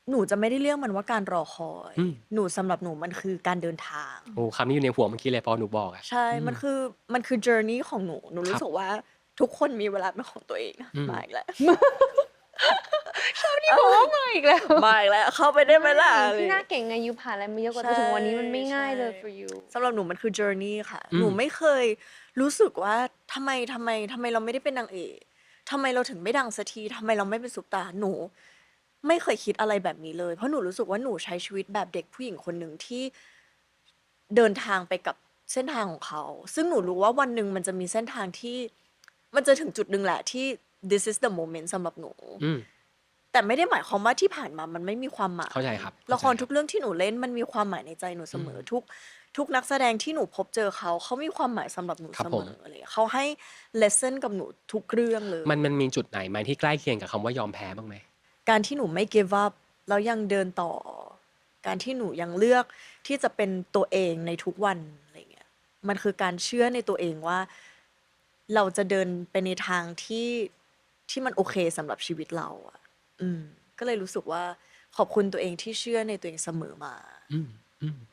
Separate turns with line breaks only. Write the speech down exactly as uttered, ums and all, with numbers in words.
หนูจะไม่ได้เรียกมันว่าการรอคอย
อืม
หนูสำหรับหนูมันคือการเดินทาง
โอ้ คำนี้อยู่ในหัวเมื่อกี้เลยพอหนูบอกอะ
ใช่
อื
มัน
ม
คือ มันคือ journey ของหนู หนูร
ครูั
้
บ
สึกว่าทุกคนมีเวลาเป็นของตัวเอง
อืม
มาอีกแล้ว
ชอบที่บอกว่ามาอีกแล้ว
มาอีกแล้ว เข้าไปได้ไหมล่ะ
ใช่
อะไร
พี่
อย่าง
น่า
เงี้ย
เก่งไง ยูผ่านอะไรมาเยอะกว่า
ใช่
จนถึงวันนี้มันไม่ง่ายเลย
ใช่
for you
สำหรับหนูมันคือ journey ค่ะ
อืม
หนูไม่เคยรู้สึกว่าทำไม ทำไม ทำไมเราไม่ได้เป็นนางเอก ทำไมเราถึงไม่ดังสักที ทำไมเราไม่เป็นซุปตาร์ หนูไม่เคยคิดอะไรแบบนี้เลย เพราะหนูรู้สึกว่าหนูใช้ชีวิตแบบเด็กผู้หญิงคนหนึ่งที่เดินทางไปกับเส้นทางของเขา ซึ่งหนูรู้ว่าวันหนึ่งมันจะมีเส้นทางที่ มันจะถึงจุดหนึ่งแหละที่ this is the moment สำหรับหนู
อืม
แต่ไม่ได้หมายความว่าที่ผ่านมามันไม่มีความหมาย
เข้าใจครับ
ละคร
เข้าใจครับ
ทุกเรื่องที่หนูเล่นมันมีความหมายในใจหนูเสมอ
อืม
ทุก ทุกนักแสดงที่หนูพบเจอเขา เขามีความหมายสำหรับหนู
ครับ
เส
ผม ม
อ อะไรอย่างเงี้ย เขาให้ lesson กับหนูทุกเรื่องเลย
มัน มันมีจุดไหนไหมที่ใกล้เคียงกับคำว่ายอมแพ้บ้างไหม?
การที่หนูไม่ give up แล้วยังเดินต่อ การที่หนูยังเลือกที่จะเป็นตัวเองในทุกวัน อะไรอย่างเงี้ย มันคือการเชื่อในตัวเองว่า เราจะเดินไปในทางที่ ที่มันโอเคสำหรับชีวิตเราอะ อืม ก็เลยรู้สึกว่าขอบคุณตัวเองที่เชื่อในตัวเองเสมอมา
อืม อืม